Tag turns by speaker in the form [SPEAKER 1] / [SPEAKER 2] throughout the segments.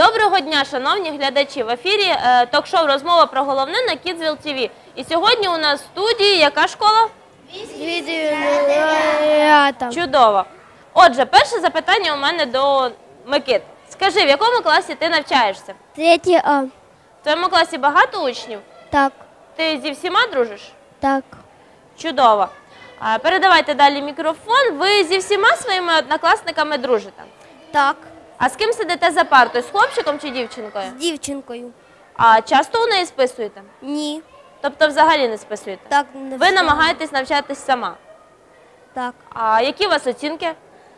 [SPEAKER 1] Доброго дня, шановні глядачі! В ефірі ток-шоу «Розмова про головне» на Kidsville TV. І сьогодні у нас в студії яка школа? Чудово. Отже, перше запитання у мене до Микит. Скажи, в якому класі ти навчаєшся?
[SPEAKER 2] 3 А.
[SPEAKER 1] В твоєму класі багато учнів?
[SPEAKER 2] Так,
[SPEAKER 1] Ти зі всіма дружиш?
[SPEAKER 2] так.
[SPEAKER 1] Чудово. Передавайте далі мікрофон. Ви зі всіма своїми однокласниками дружите?
[SPEAKER 2] Так.
[SPEAKER 1] А з ким сидите за партою? З хлопчиком чи дівчинкою?
[SPEAKER 2] З дівчинкою.
[SPEAKER 1] А часто у неї списуєте?
[SPEAKER 2] Ні.
[SPEAKER 1] Тобто взагалі не списуєте?
[SPEAKER 2] Так, не
[SPEAKER 1] Ви
[SPEAKER 2] все.
[SPEAKER 1] намагаєтесь навчатись сама?
[SPEAKER 2] Так.
[SPEAKER 1] А які у вас оцінки?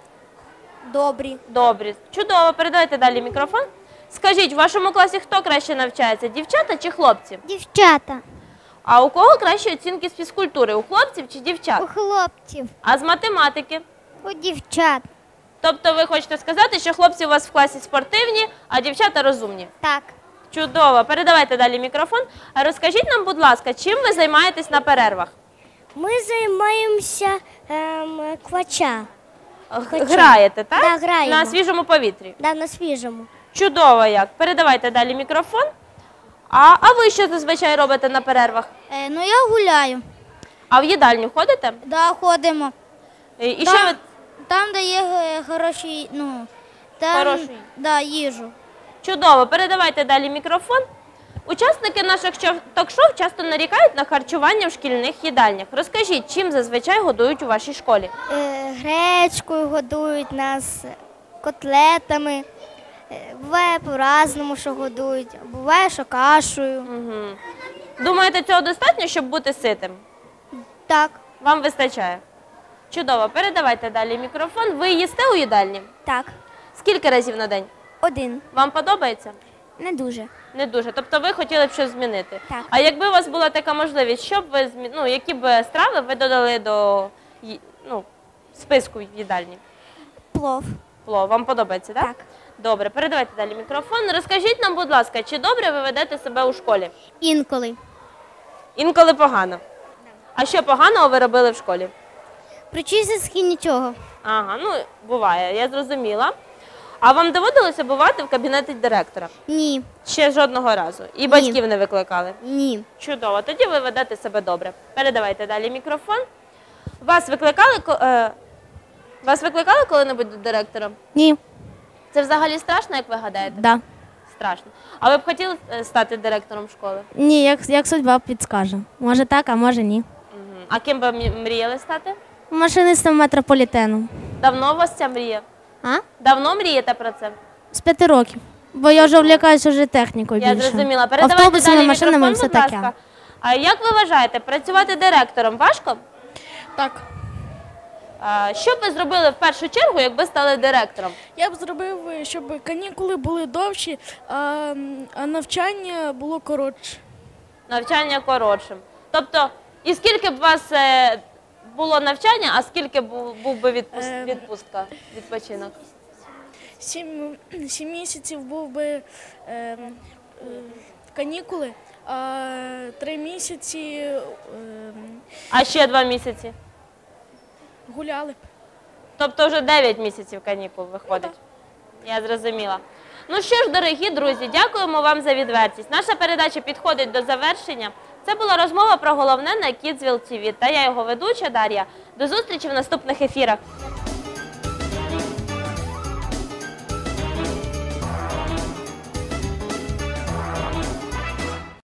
[SPEAKER 2] Добрі.
[SPEAKER 1] Добрі. Чудово. Передайте далі мікрофон. Скажіть, в вашому класі хто краще навчається? Дівчата чи хлопці?
[SPEAKER 2] Дівчата.
[SPEAKER 1] А у кого кращі оцінки з фізкультури? У хлопців чи дівчат?
[SPEAKER 2] У хлопців.
[SPEAKER 1] А з математики?
[SPEAKER 2] У дівчат.
[SPEAKER 1] Тобто ви хочете сказати, що хлопці у вас в класі спортивні, а дівчата розумні?
[SPEAKER 2] Так.
[SPEAKER 1] Чудово. Передавайте далі мікрофон. А розкажіть нам, будь ласка, чим ви займаєтесь на перервах?
[SPEAKER 2] Ми займаємося квача.
[SPEAKER 1] Граєте, так?
[SPEAKER 2] Да, граємо.
[SPEAKER 1] На свіжому повітрі.
[SPEAKER 2] Да, на свіжому.
[SPEAKER 1] Чудово як. Передавайте далі мікрофон. А ви що зазвичай робите на перервах?
[SPEAKER 2] Я гуляю.
[SPEAKER 1] А в їдальню ходите?
[SPEAKER 2] Да, ходимо.
[SPEAKER 1] І що ви...
[SPEAKER 2] Там, де є хороші,
[SPEAKER 1] Хорошу.
[SPEAKER 2] Да, їжу.
[SPEAKER 1] Чудово. Передавайте далі мікрофон. Учасники наших ток-шоу часто нарікають на харчування в шкільних їдальнях. Розкажіть, чим зазвичай годують у вашій школі?
[SPEAKER 2] Гречкою годують нас, котлетами. Буває по-разному, що годують. Буває, що кашею.
[SPEAKER 1] Угу. Думаєте, цього достатньо, щоб бути ситим?
[SPEAKER 2] Так.
[SPEAKER 1] Вам вистачає? Чудово. Передавайте далі мікрофон. Ви їсте у їдальні?
[SPEAKER 2] Так.
[SPEAKER 1] Скільки разів на день?
[SPEAKER 2] 1.
[SPEAKER 1] Вам подобається?
[SPEAKER 2] Не дуже.
[SPEAKER 1] Не дуже. Тобто ви хотіли б щось змінити?
[SPEAKER 2] Так.
[SPEAKER 1] А якби у вас була така можливість, що б ви які б страви ви додали до списку в їдальні?
[SPEAKER 2] Плов.
[SPEAKER 1] Плов. Вам подобається, так?
[SPEAKER 2] Так.
[SPEAKER 1] Добре. Передавайте далі мікрофон. Розкажіть нам, будь ласка, чи добре ви ведете себе у школі?
[SPEAKER 2] Інколи.
[SPEAKER 1] Інколи погано. А що поганого ви робили в школі?
[SPEAKER 2] При чистці нічого.
[SPEAKER 1] Ага, буває, я зрозуміла. А вам доводилося бувати в кабінеті директора?
[SPEAKER 2] Ні.
[SPEAKER 1] Ще жодного разу? І батьків не викликали?
[SPEAKER 2] Ні.
[SPEAKER 1] Чудово, тоді ви ведете себе добре. Передавайте далі мікрофон. Вас викликали коли-небудь до директора?
[SPEAKER 2] Ні.
[SPEAKER 1] Це взагалі страшно, як ви гадаєте?
[SPEAKER 2] Да.
[SPEAKER 1] Страшно. А ви б хотіли стати директором школи?
[SPEAKER 3] Ні, як судьба підскаже. Може так, а може ні.
[SPEAKER 1] Угу. А ким би мріяли стати?
[SPEAKER 3] Машинистом метрополітену.
[SPEAKER 1] Давно у вас ця мрія?
[SPEAKER 3] А?
[SPEAKER 1] Давно мрієте про це?
[SPEAKER 3] З 5 років. Бо я вже влякаюся вже технікою більше.
[SPEAKER 1] Я зрозуміла. Передавайте
[SPEAKER 3] Автобусами,
[SPEAKER 1] далі
[SPEAKER 3] машинами і
[SPEAKER 1] мікрофон,
[SPEAKER 3] все
[SPEAKER 1] будь
[SPEAKER 3] таке.
[SPEAKER 1] ласка. А як ви вважаєте, працювати директором важко?
[SPEAKER 3] Так.
[SPEAKER 1] Що б ви зробили в першу чергу, якби стали директором?
[SPEAKER 4] Я б зробив, щоб канікули були довші, а навчання було коротше.
[SPEAKER 1] Навчання коротшим. Тобто, і скільки б у вас було навчання, а скільки був би відпустка, відпочинок?
[SPEAKER 4] 7 місяців був би канікули, а 3 місяці
[SPEAKER 1] А ще 2 місяці?
[SPEAKER 4] гуляли.
[SPEAKER 1] Тобто вже 9 місяців канікул виходить. Я зрозуміла. Ну що ж, дорогі друзі, дякуємо вам за відвертість. Наша передача підходить до завершення. Це була розмова про головне на Kidsville TV. Та я його ведуча Дар'я. До зустрічі в наступних ефірах.